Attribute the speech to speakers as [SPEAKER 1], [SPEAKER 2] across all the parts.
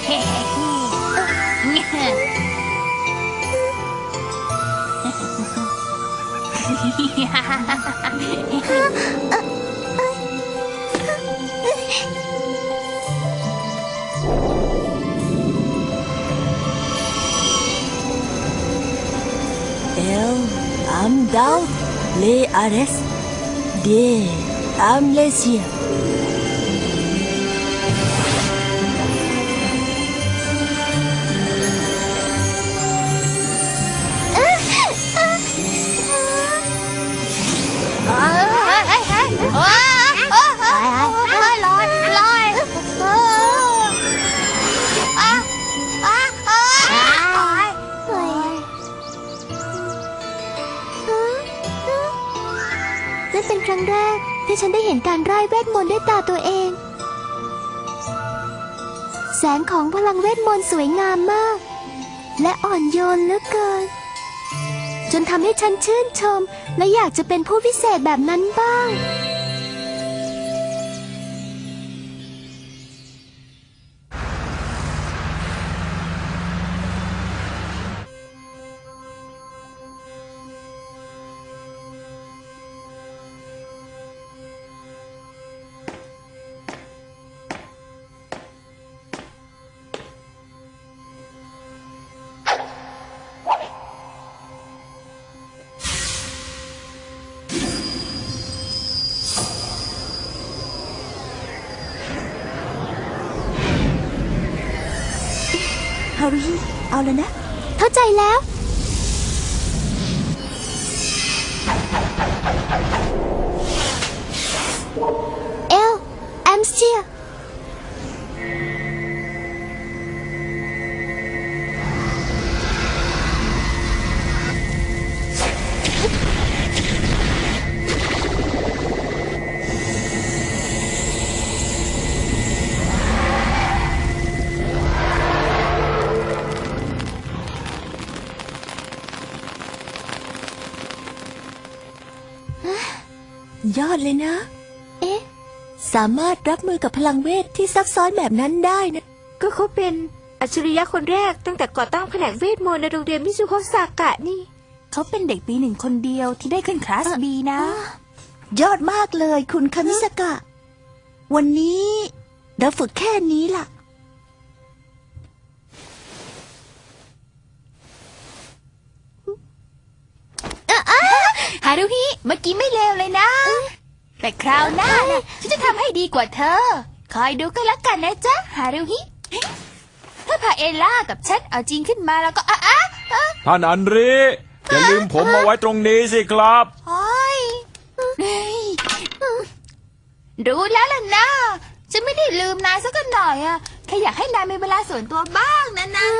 [SPEAKER 1] I'm down, le ares, de, I'm lesia.
[SPEAKER 2] นั่นเป็นครั้งแรกที่ฉันได้เห็นการไร้เวทมนต์ด้วยตาตัวเองแสงของพลังเวทมนต์สวยงามมากและอ่อนโยนเหลือเกินจนทำให้ฉันชื่นชมและอยากจะเป็นผู้พิเศษแบบนั้นบ้าง
[SPEAKER 1] ฮารุฮิเอาแล้วนะ
[SPEAKER 2] เข้าใจแล้วเอลแอมสเชีย
[SPEAKER 1] ยอดเลยนะ
[SPEAKER 2] เอ๊ะ
[SPEAKER 1] สามารถรับมือกับพลังเวทที่ซับซ้อนแบบนั้นได้นะ
[SPEAKER 3] ก็เขาเป็นอัจฉริยะคนแรกตั้งแต่ก่อตั้งแผนกเวทมนต์ในโรงเรียนมิซุโฮซากะนี่
[SPEAKER 1] เขาเป็นเด็กปี 1คนเดียวที่ได้ขึ้นคลาส B นะยอดมากเลยคุณคามิสกะวันนี้เราฝึกแค่นี้ล่ะ
[SPEAKER 3] ฮารุฮิเมื่อกี้ไม่เลวเลยนะแต่คราวหน้านะฉันจะทำให้ดีกว่าเธอคอยดูก็แล้วกันนะจ๊ะฮารุฮิถ้าพาเอล่ากับฉันเอาจริงขึ้นมาแล้วก็
[SPEAKER 4] ท่านอันริอย่าลืมผมมาไว้ตรงนี้สิครับ
[SPEAKER 3] รู้แล้วล่ะนะฉันไม่ได้ลืมนายสักหน่อยอะแค่อยากให้นายมีเวลาส่วนตัวบ้างนะนะ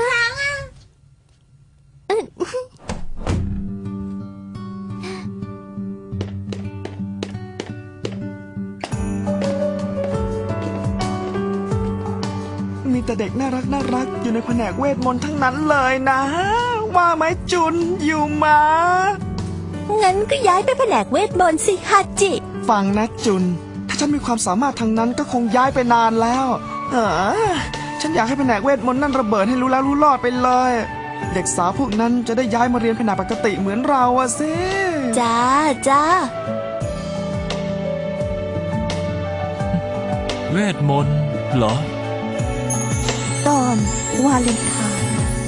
[SPEAKER 5] มีแต่เด็กน่ารักอยู่ในแผนกเวทมนต์ทั้งนั้นเลยนะว่าไหมจุนอยู่มา
[SPEAKER 1] งั้นก็ย้ายไปแผนกเวทมนต์สิฮาจิ
[SPEAKER 5] ฟังนะจุนถ้าฉันมีความสามารถทางนั้นก็คงย้ายไปนานแล้วฉันอยากให้แผนกเวทมนต์นั่นระเบิดให้รู้แล้วรู้รอดไปเลยเด็กสาวพวกนั้นจะได้ย้ายมาเรียนแผนกปกติเหมือนเราอะสิ
[SPEAKER 1] จ้า
[SPEAKER 4] เวทมนต์เหรอ
[SPEAKER 1] ตอนวาเลนไทน์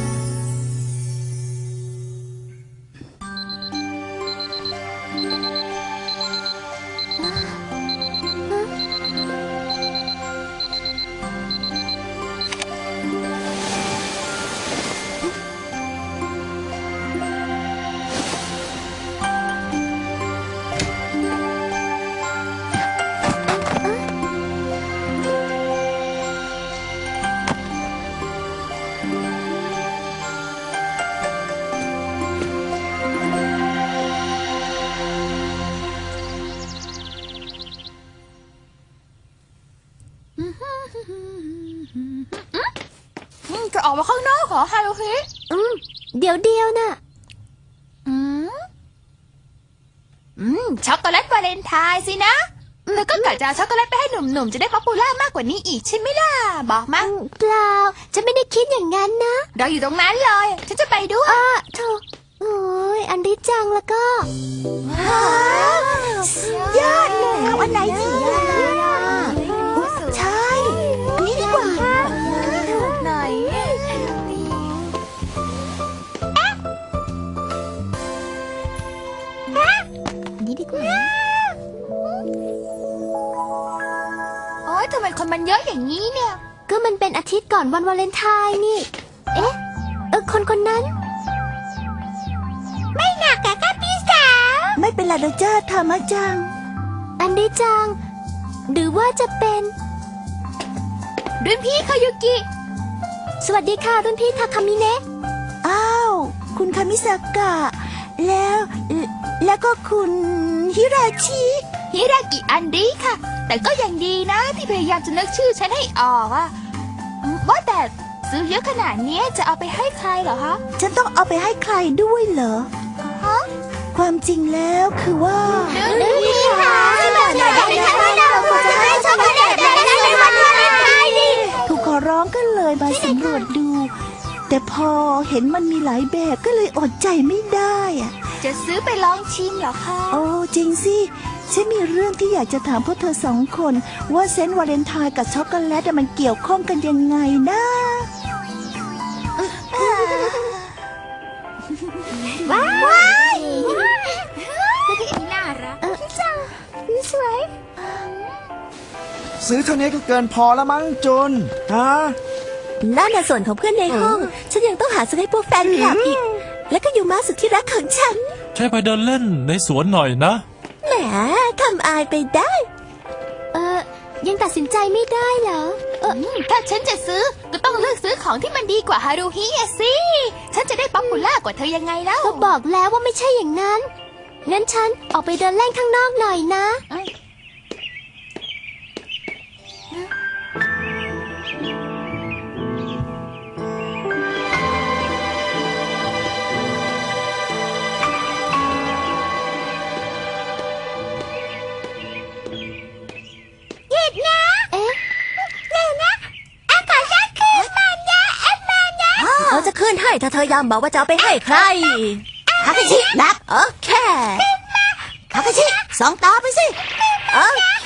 [SPEAKER 3] จะออกมาข้างนอกเหรอฮารุฮิ
[SPEAKER 2] เดี๋ยวน่ะ
[SPEAKER 3] ช็อกโกแลตวาเลนไทน์สินะแล้วก็กะจะเอาช็อกโกแลตไปให้หนุ่มๆจะได้ป๊อปปูล่ามากกว่านี้อีกใช่ไหมล่ะบอกมา
[SPEAKER 2] เปล่าฉันไม่ได้คิดอย่างนั้นนะ
[SPEAKER 3] เราอยู่ตรงนั้นเลยฉันจะไปด้วย
[SPEAKER 2] โธ่โอ้ยอันริจังแล้วก็
[SPEAKER 1] ยอดเลยเอาอันไหนดีใช่ อันนี้ดีกว่า
[SPEAKER 3] ไหน
[SPEAKER 1] อันนี้ดีกว่า
[SPEAKER 3] โอ๊ยทำไมคนมันเยอะอย่างนี้เนี่ย
[SPEAKER 2] ก็มันเป็นอาทิตย์ก่อนวันวาเลนไทน์นี่ เอ๊ะคนนั้น ไม่หนักอะค่ะพี่สาว
[SPEAKER 1] ไม่เป็นไรหรอกจ้าธรรมะจัง
[SPEAKER 2] อันริจัง หรือว่าจะเป็น
[SPEAKER 3] รุ่นพี่คายุกิ
[SPEAKER 2] สวัสดีค่ะรุ่นพี่ทาคามิเนะ
[SPEAKER 1] อ้าว คุณคามิสากะ แล้วก็คุณฮิราชิ
[SPEAKER 3] ฮิรากิอันดีค่ะ แต่ก็ยังดีนะที่พยายามจะนึกชื่อฉันให้ออกอะว่าแต่ซื้อเยอะขนาดนี้จะเอาไปให้ใครเหรอคะ
[SPEAKER 1] ฉันต้องเอาไปให้ใครด้วยเหรอ
[SPEAKER 3] ฮะ
[SPEAKER 1] ความจริงแล้วคือว่า
[SPEAKER 3] รุ่นพี่ค่ะที่แบบไหนเราควรจะให้ช็อกโกแลตแบบนั้นในวันวาเลนไทน์ดิ
[SPEAKER 1] ถูกขอร้องก็เลยมาสำรวจดู แต่พอเห็นมันมีหลายแบบก็เลยอดใจไม่ได้อะ
[SPEAKER 3] จะซื้อไปลองชิมเหรอคะ
[SPEAKER 1] โอ้จริงสิ ฉันมีเรื่องที่อยากจะถามพวกเธอสองคน ว่าเซนต์วาเลนไทน์กับช็อกโกแลตมันเกี่ยวข้องกันยังไงนะ
[SPEAKER 2] ว้าย
[SPEAKER 3] น่ารัก
[SPEAKER 2] สวย
[SPEAKER 5] ซื้อเท่านี้ก็เกินพอแล้วมั้งจุนฮะ
[SPEAKER 1] นั่นน่ะส่วนของเพื่อนในห้อง ฉันยังต้องหาซื้อให้พวกแฟนคลับอีก แล้วก็อยู่มาสุดที่รักของฉัน
[SPEAKER 6] ใช่ไปเดินเล่นในสวนหน่อยนะ
[SPEAKER 1] แหมทำอายไปได้
[SPEAKER 2] ยังตัดสินใจไม่ได้เหรอ
[SPEAKER 3] ถ้าฉันจะซื้อก็ต้องเลือกซื้อของที่มันดีกว่าฮารุฮิอะสิ ฉันจะได้ป๊อปปูล่ากว่าเธอยังไงแล้ว
[SPEAKER 2] ก็บอกแล้วว่าไม่ใช่อย่างนั้น งั้นฉันออกไปเดินเล่นข้างนอกหน่อยนะ เอ๊ะ
[SPEAKER 1] เราจะขึ้นให้ถ้าเธอย้ำบอกว่าจะเอาไปให้ใครคาคาชินับโอเคคาคาชิสองตาไปสิโอเค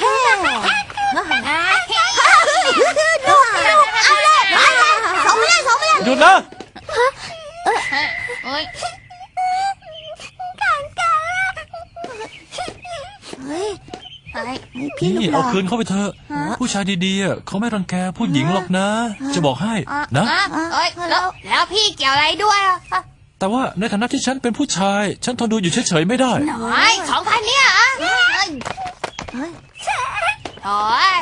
[SPEAKER 1] ดูเอาเลยสองไปเลยสองไปเลย
[SPEAKER 6] หยุดนะ
[SPEAKER 3] โอ๊ย
[SPEAKER 1] เฮ้ย
[SPEAKER 3] ไอ้
[SPEAKER 1] พี่ลู
[SPEAKER 6] นี่
[SPEAKER 1] กห
[SPEAKER 6] เอา
[SPEAKER 1] ลาน
[SPEAKER 6] คืนเข้าไปเถอะ ผู้ชายดีๆอะเขาไม่รังแกผู้หญิงหรอกนะ จะบอกให้นะ
[SPEAKER 3] เอ้ยแล้วพี่เกี่ยวอะไรด้วยอ่ะ
[SPEAKER 6] แต่ว่าในฐานะที่ฉันเป็นผู้ชาย ฉันทนดูอยู่เฉยๆไม่ได้
[SPEAKER 3] น้อย2,000เนี่ยอ่ะโอ้ย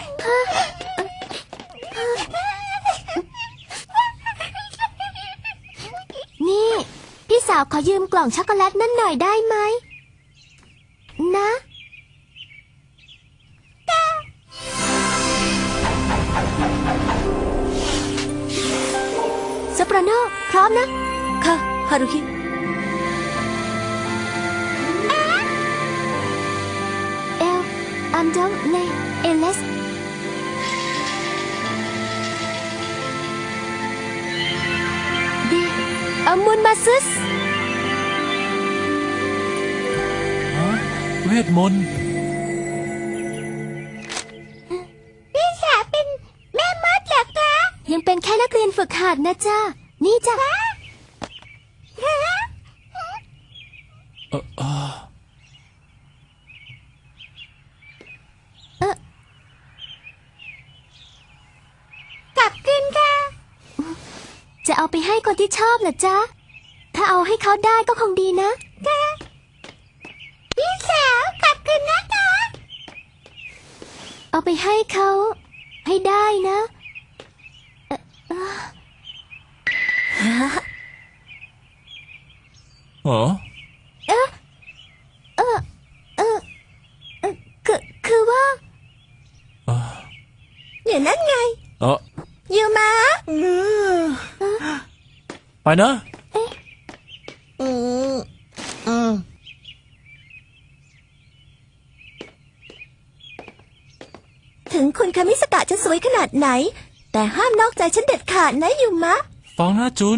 [SPEAKER 2] นี่ พี่สาวขอยืมกล่องช็อกโกแลตนั่นหน่อยได้ไหม นะโซปราโนพร้อมนะ
[SPEAKER 1] ค่ะฮารุฮิ
[SPEAKER 2] เอล อันดงเลเอเลส บี อามุนมาซึส
[SPEAKER 6] เวทมนต์
[SPEAKER 2] พี่สาวเป็นแม่มดเหรอคะ ยังเป็นแค่นักเรียนฝึกหัดนะจ๊ะ นี่จ้ะ กลับคืนค่ะ จะเอาไปให้คนที่ชอบเหรอจ๊ะ ถ้าเอาให้เขาได้ก็คงดีนะค่ะพี่สาวกลับคืนนะคะ เอาไปให้เขาให้ได้นะ
[SPEAKER 6] อ๋อ
[SPEAKER 2] คือว่า
[SPEAKER 1] อย่างนั้นไง
[SPEAKER 6] เออ
[SPEAKER 1] ยูมา
[SPEAKER 6] ไปนะ
[SPEAKER 5] อืม
[SPEAKER 1] คามิสกะจะสวยขนาดไหน แต่ห้ามนอกใจฉันเด็ดขาดนะยูมะ
[SPEAKER 6] ฟังนะจุน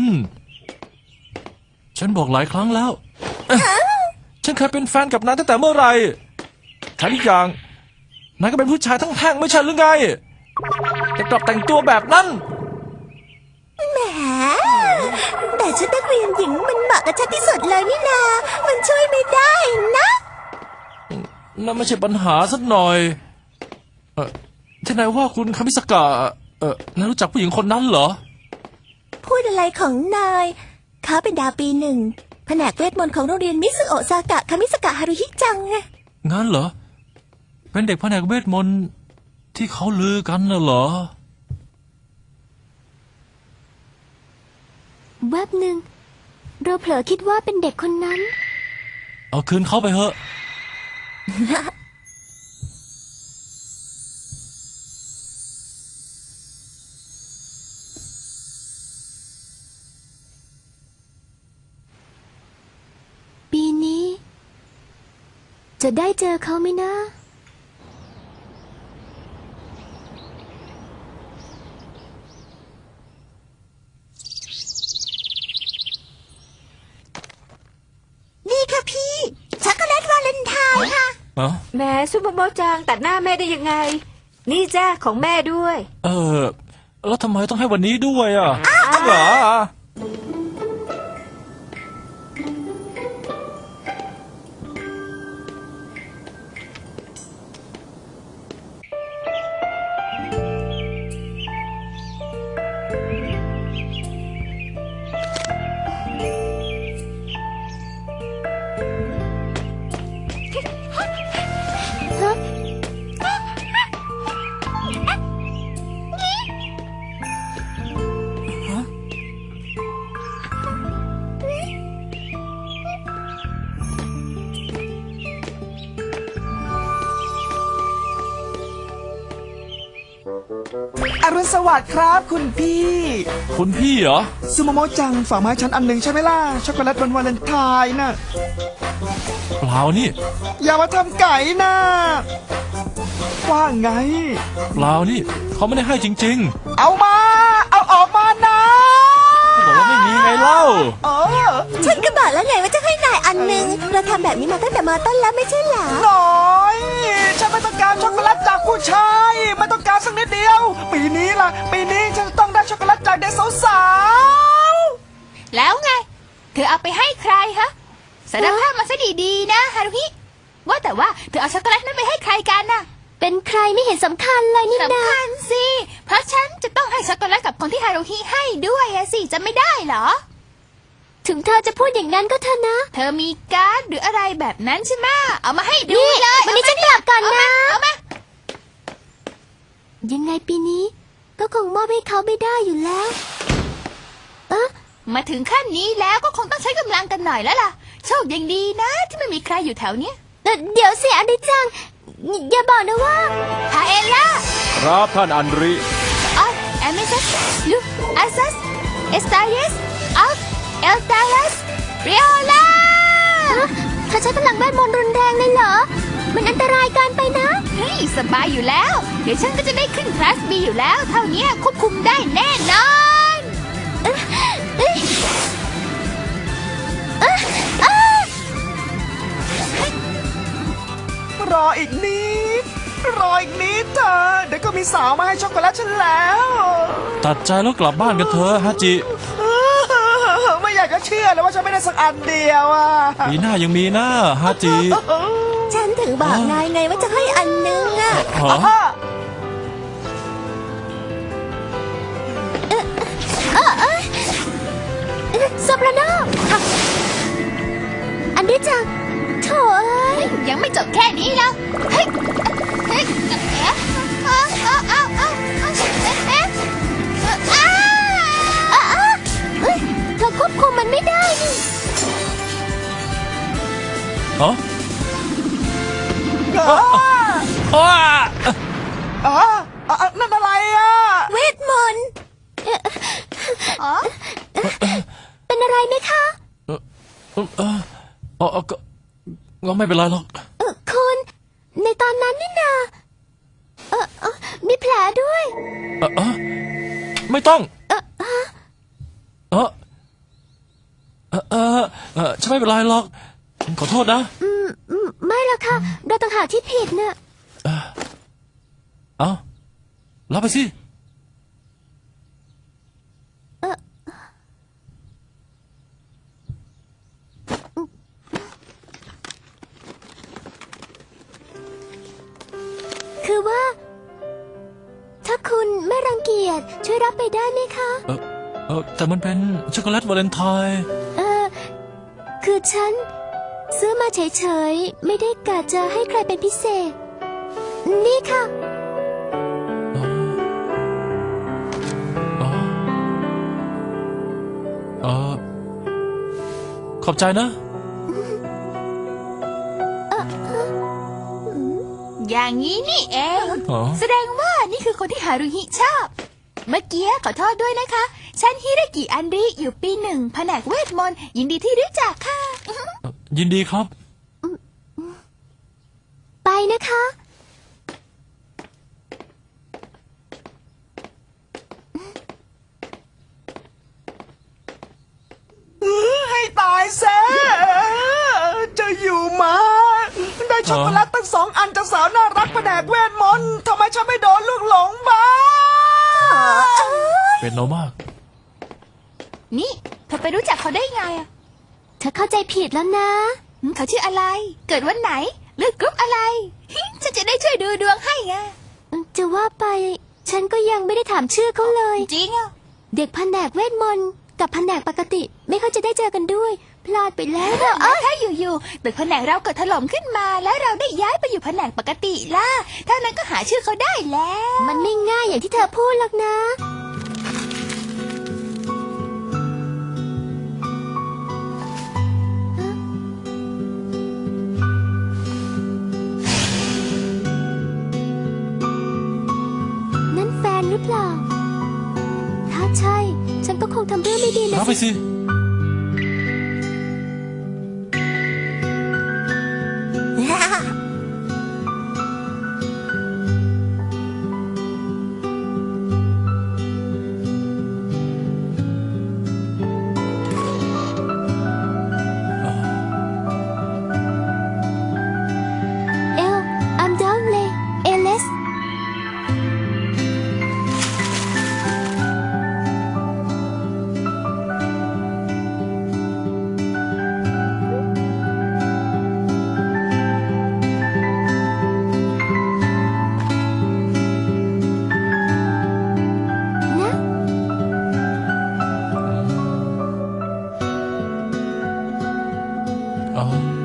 [SPEAKER 6] ฉันบอกหลายครั้งแล้ว ฉันเคยเป็นแฟนกับนายตั้งแต่เมื่อไหร่แถมอีกอย่างนายก็เป็นผู้ชายทั้งแท่งไม่ใช่หรือไงจะกลับแต่งตัวแบบนั้น
[SPEAKER 1] แหมแต่ชุดนักเรียนหญิงมันเหมาะกับฉันที่สุดเลยนี่นา มันช่วยไม่ได้นะ
[SPEAKER 6] นั่นไม่ใช่ปัญหาสักหน่อยที่นายว่าคุณคามิสกะนายรู้จักผู้หญิงคนนั้นเหรอ
[SPEAKER 1] พูดอะไรของนายเขาเป็นดาวปีหนึ่งแผนกเวทมนต์ของโรงเรียนมิสึโอะซากะคามิสกะฮารุฮิจังไง
[SPEAKER 6] งั้นเหรอ เป็นเด็กแผนกเวทมนต์ที่เขาลือกันน่ะเหรอ
[SPEAKER 2] แวบหนึ่งเราเผลอคิดว่าเป็นเด็กคนนั้น
[SPEAKER 6] เอาคืนเขาไปเถอะ
[SPEAKER 2] ปีนี้ จะได้เจอเขาไหมนะ
[SPEAKER 1] นี่ค่ะพี่ช็อกโกแลตวาเลนไทน์ค่ะ
[SPEAKER 7] แม่ซุปเปอร์โมจังตัดหน้าแม่ได้ยังไง นี่จ้าของแม่ด้วย
[SPEAKER 6] แล้วทำไมต้องให้วันนี้ด้วยอ่ะจริงเหรอ
[SPEAKER 5] อรุณสวัสดิ์ครับคุณพี่
[SPEAKER 6] คุณพี่เหรอ
[SPEAKER 5] ซูโมโมจังฝากมาให้ฉันอันหนึ่งใช่ไหมล่ะ ช็อกโกแลตวันวาเลนไทน์น่ะ
[SPEAKER 6] เปล่านี่
[SPEAKER 5] อย่ามาทำไก่นะว่าไง
[SPEAKER 6] เปล่านี่ เขาไม่ได้ให้จริง
[SPEAKER 5] เอามา เอาออกมานะ
[SPEAKER 6] ๆบอกว่าไม่มีไงเล่า
[SPEAKER 5] เออ
[SPEAKER 1] ฉันก็บอกแล้วไงว่าจะให้นายอันหนึ่งเราทำแบบนี้มาตั้งแต่มต้นแล้วไม่ใช่เหรอ
[SPEAKER 5] หน่อยฉันไม่ต้องการช็อกโกแลตจากผู้ชายไม่ต้องการสักนิดเดียว ปีนี้ล่ะ ปีนี้ฉันจะต้องได้ช็อกโกแลตจากเด็กสาว
[SPEAKER 3] แล้วไง เธอเอาไปให้ใครฮะสารภาพมาซะดีๆนะฮารุฮิว่าแต่ว่าเธอเอาช็อกโกแลตนั้นไปให้ใครกันน่ะ
[SPEAKER 2] เป็นใครไม่เห็นสำคัญเลยนี่นา
[SPEAKER 3] สำคัญสิ เพราะฉันจะต้องให้ช็อกโกแลตกับคนที่ฮารุฮิให้ด้วยอะสิจะไม่ได้เหรอ
[SPEAKER 2] ถึงเธอจะพูดอย่างนั้นก็เถอะนะ
[SPEAKER 3] เธอมีการ์ดหรืออะไรแบบนั้นใช่ไหมเอามาให้ดู
[SPEAKER 2] นี่
[SPEAKER 3] เลย
[SPEAKER 2] วันนี้ฉันกลับก่อนนะ
[SPEAKER 3] เอามา
[SPEAKER 2] ยังไงปีนี้ ก็คงมอบให้เขาไม่ได้อยู่แล้ว
[SPEAKER 3] มาถึงขั้นนี้แล้วก็คงต้องใช้กำลังกันหน่อยแล้วล่ะ โชคยังดีนะ ที่ไม่มีใครอยู่แถวเนี้ย
[SPEAKER 2] เดี๋ยวสิอดิจัง อย่าบอกนะว่า
[SPEAKER 3] ฮาเอลล่า
[SPEAKER 4] ครับท่านอันริ
[SPEAKER 3] ออสเอมิซัสลูอาซัสเอสตาเยสออฟเอลตาลัสเรียล่า
[SPEAKER 2] เธอใช้พลังเวทมนต์รุนแรงเลยเหรอ มันอันตรายเกินไปนะ
[SPEAKER 3] เฮ้ยสบายอยู่แล้ว เดี๋ยวฉันก็จะได้ขึ้นคลาส B อยู่แล้ว เท่านี้ควบคุมได้แน่นอน
[SPEAKER 5] ๆรออีกนิด รออีกนิดเธอเดี๋ยวก็มีสาวมาให้ช็อกโกแลตฉันแล้ว
[SPEAKER 6] ตัดใจแล้วกลับบ้านกันเถอะฮาจิ
[SPEAKER 5] ไม่อยากจะเชื่อเลยว่าฉันไม่ได้สักอันเดียวอ่ะ
[SPEAKER 6] ปีหน้ายังมีหน้าฮาจิ
[SPEAKER 1] ฉันถึงบอกนายไงว่าจะให้อันหนึงอะ
[SPEAKER 6] ฮะ
[SPEAKER 2] โซปราโนอันดิจังโถเอ้ย
[SPEAKER 3] ยังไม่จบแค่นี้นะเฮ้ยเฮ้ยเอาเอ๊ะ
[SPEAKER 2] เอ้ยเธอควบคุมมันไม่ได้นี่
[SPEAKER 6] อ๋อ
[SPEAKER 5] อ๋อนั่นอะไรอ่ะ
[SPEAKER 1] เวทมนต์
[SPEAKER 2] เป็นอะไรไหมคะ
[SPEAKER 6] ก็ไม่เป็นไรหรอก
[SPEAKER 2] คุณ ในตอนนั้นนี่นามีแผลด้วย
[SPEAKER 6] ไม่ต้องฉันไม่เป็นไรหรอกขอโทษนะ
[SPEAKER 2] ไม่ละค่ะ เราต่างหากที่ผิดน่ะ
[SPEAKER 6] เอารับไปสิ
[SPEAKER 2] คือว่า ถ้าคุณไม่รังเกียจช่วยรับไปได้ไหมคะ
[SPEAKER 6] แต่มันเป็นช็อกโกแลตวาเลนไทน์
[SPEAKER 2] คือฉัน ซื้อมาเฉยๆ ไม่ได้กะจะให้ใครเป็นพิเศษ นี่ค่ะ
[SPEAKER 6] ขอบใจนะ
[SPEAKER 3] อย่างนี้นี่เอง
[SPEAKER 6] อ๋อ
[SPEAKER 3] แสดงว่านี่คือคนที่ฮารุฮิชอบ เมื่อกี้ขอโทษด้วยนะคะ ฉันฮิรากิอันริอยู่ปี 1แผนกเวทมนต์ยินดีที่รู้จักค่ะ
[SPEAKER 6] ยินดีครับ
[SPEAKER 2] ไปนะคะ
[SPEAKER 5] ให้ตายซะจะอยู่มาได้ช็อกโกแลตตั้ง2 อันจากสาวน่ารักแผนกเวทมนต์ทำไมฉันไม่โดนลูกหลงบ้าง
[SPEAKER 6] เป็นโนมาก
[SPEAKER 3] นี่เธอไปรู้จักเขาได้ไงอะ
[SPEAKER 2] เธอเข้าใจผิดแล้วนะ
[SPEAKER 3] เขาชื่ออะไร เกิดวันไหน เลือกกรุ๊ปอะไร ฉันจะได้ช่วยดูดวงให้ไง
[SPEAKER 2] จะว่าไป ฉันก็ยังไม่ได้ถามชื่อเขาเลย
[SPEAKER 3] จริงอ่ะ
[SPEAKER 2] เด็กแผนกเวทมนต์กับแผนกปกติ ไม่ค่อยจะได้เจอกันด้วย พลาดไปแล้ว
[SPEAKER 3] ถ้าอยู่ๆตึกแผนกเราเกิดถล่มขึ้นมาแล้วเราได้ย้ายไปอยู่แผนกปกติล่ะเท่านั้นก็หาชื่อเขาได้แล้ว
[SPEAKER 2] มันไม่ง่ายอย่างที่เธอพูดหรอกนะ นั่นแฟนหรือเปล่า ถ้าใช่ ฉันก็คงทำเรื่องไม่ดีนะ
[SPEAKER 6] รับไปสิ
[SPEAKER 2] เอล อัมดาวเลเอเลส นะ
[SPEAKER 6] เอา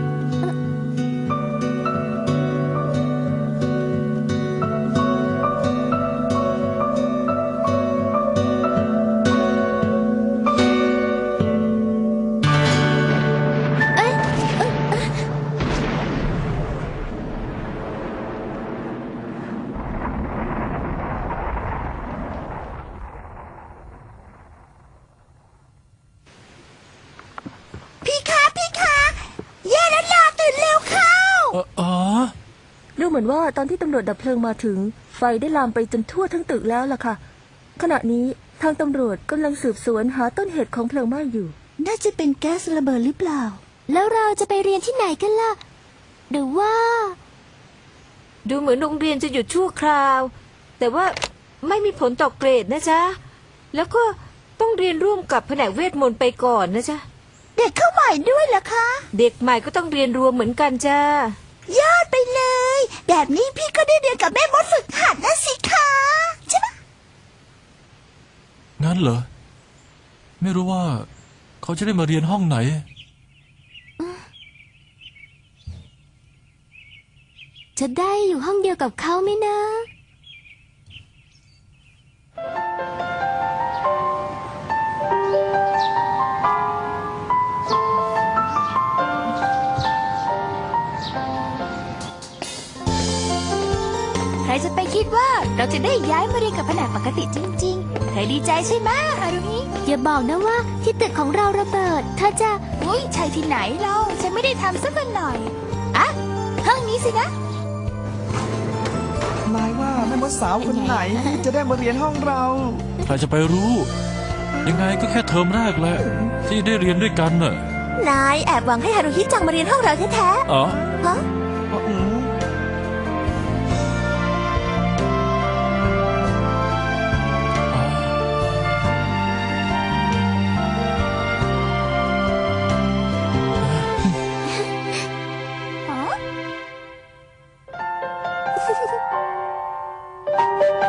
[SPEAKER 1] พี่คะแย่แล้วล่ะตื่นเร็วเข้า
[SPEAKER 8] ดูเหมือนว่าตอนที่ตำรวจดับเพลิงมาถึง ไฟได้ลามไปจนทั่วทั้งตึกแล้วล่ะค่ะ ขณะนี้ทางตำรวจกำลังสืบสวนหาต้นเหตุของเพลิงไหม้อยู่
[SPEAKER 1] น่าจะเป็นแก๊สระเบิดหรือเปล่า
[SPEAKER 2] แล้วเราจะไปเรียนที่ไหนกันล่ะ หรือว่า
[SPEAKER 7] ดูเหมือนโรงเรียนจะหยุดชั่วคราว แต่ว่าไม่มีผลต่อเกรดนะจ๊ะ แล้วก็ต้องเรียนร่วมกับแผนกเวทมนต์ไปก่อนนะจ๊ะ
[SPEAKER 1] เด็กเข้าใหม่ด้วยเหรอคะ
[SPEAKER 7] เด็กใหม่ก็ต้องเรียนรวมเหมือนกันจ้า
[SPEAKER 1] ยอดไปเลย แบบนี้พี่ก็ได้เรียนกับแม่มดฝึกหัดนะสิคะใช่ไหม
[SPEAKER 6] งั้นเหรอ ไม่รู้ว่า เขาจะได้มาเรียนห้องไหน
[SPEAKER 2] จะได้อยู่ห้องเดียวกับเขาไหมนะ
[SPEAKER 3] ใครจะไปคิดว่าเราจะได้ย้ายมาเรียนกับแผนกปกติจริงๆเธอดีใจใช่ไหมฮารุฮิ
[SPEAKER 2] อย่าบอกนะว่าที่ตึกของเราระเบิดเธอจะ
[SPEAKER 3] อุ้ยใช่ที่ไหนเราฉันไม่ได้ทำสักหน่อยอ่ะห้องนี้สินะ
[SPEAKER 5] นายว่าแม่มดสาวคนไหนจะได้มาเรียนห้องเรา
[SPEAKER 6] ใครจะไปรู้ ยังไงก็แค่เทอมแรกแหละที่ได้เรียนด้วยกันน่ะ
[SPEAKER 2] นายแอบหวังให้ฮารุฮิจังมาเรียนห้องเราแท้
[SPEAKER 6] อ๋อ
[SPEAKER 2] ๆฮะ
[SPEAKER 5] อืม
[SPEAKER 2] ฮ